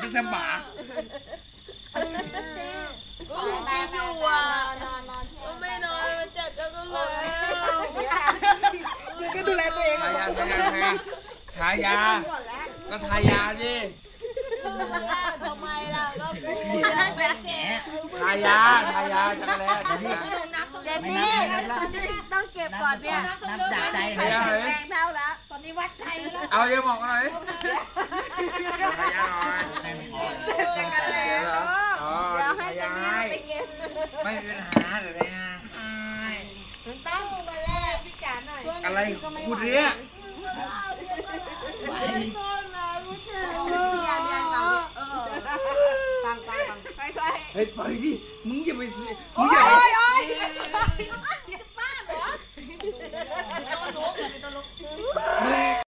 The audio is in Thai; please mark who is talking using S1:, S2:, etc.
S1: ก็สบาย
S2: ก็ไม่อยู่อ่ะก็ไม่นอนมันเจ็บจังเลย
S3: ก็ดูแลตัวเอง
S1: ทายาก็ทายาสิ
S2: ทำไมล่ะก็
S1: ทายาจังเลย
S2: เด็กนี่ต้องเก็บก่อนเนี่ย
S3: นับจากใจ
S2: แรงเท่าแล้วตอนนี้วัดใจแล้ว
S1: เอาเยอะมองกันหน่อยทายาหน่อย
S2: เดี๋ยวให้จะมีไปเก็บ
S1: ไม่มีปัญหาอะไรนะ
S2: มันต้องมาแลกพี่จ๋าหน่อย
S1: อะไรพูดเนี้ย
S2: ฟังไป
S1: เฮ้ยปล่อยดิมึงอย่าไป
S2: โอ้ยบ้าเหรอตัวลุก